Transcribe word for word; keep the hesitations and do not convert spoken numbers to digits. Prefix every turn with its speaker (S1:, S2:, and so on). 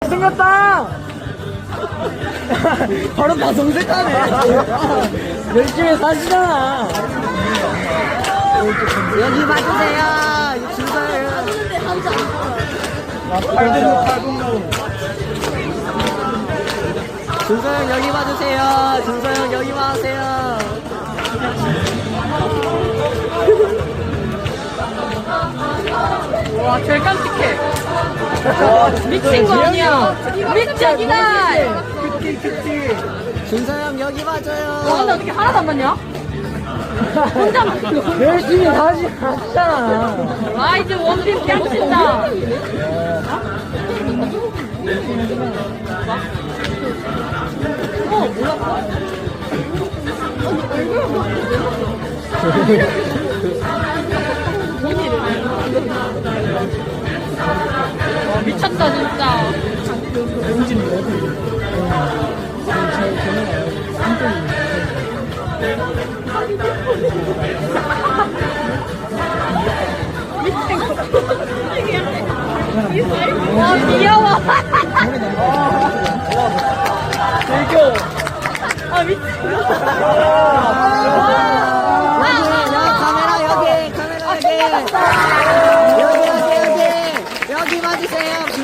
S1: 생겼다. 바로 다 정색하네. 열심히 사시잖아. 여기 봐주세요. 준서요. 준서형 여기 봐주세요. 준서형 여기 봐주세요.
S2: 와, 제일 깜찍해. 미친 거 아니야. 미친이다.
S1: 준서형 여기 봐줘요.
S2: 와, 근데 어떻게 하나도 안 맞냐? 혼자만.
S1: 열심히 다시 하잖아.
S2: 아, 이제 원빈 깨우친다. 어, 몰랐어? 와, 미쳤다, 진짜. 와, 귀여워.
S1: 즐겨.
S2: 아, 미친.
S1: 카메라 여기, 카메라 여기. 여기, 여기, 여기. 여기 봐주세요.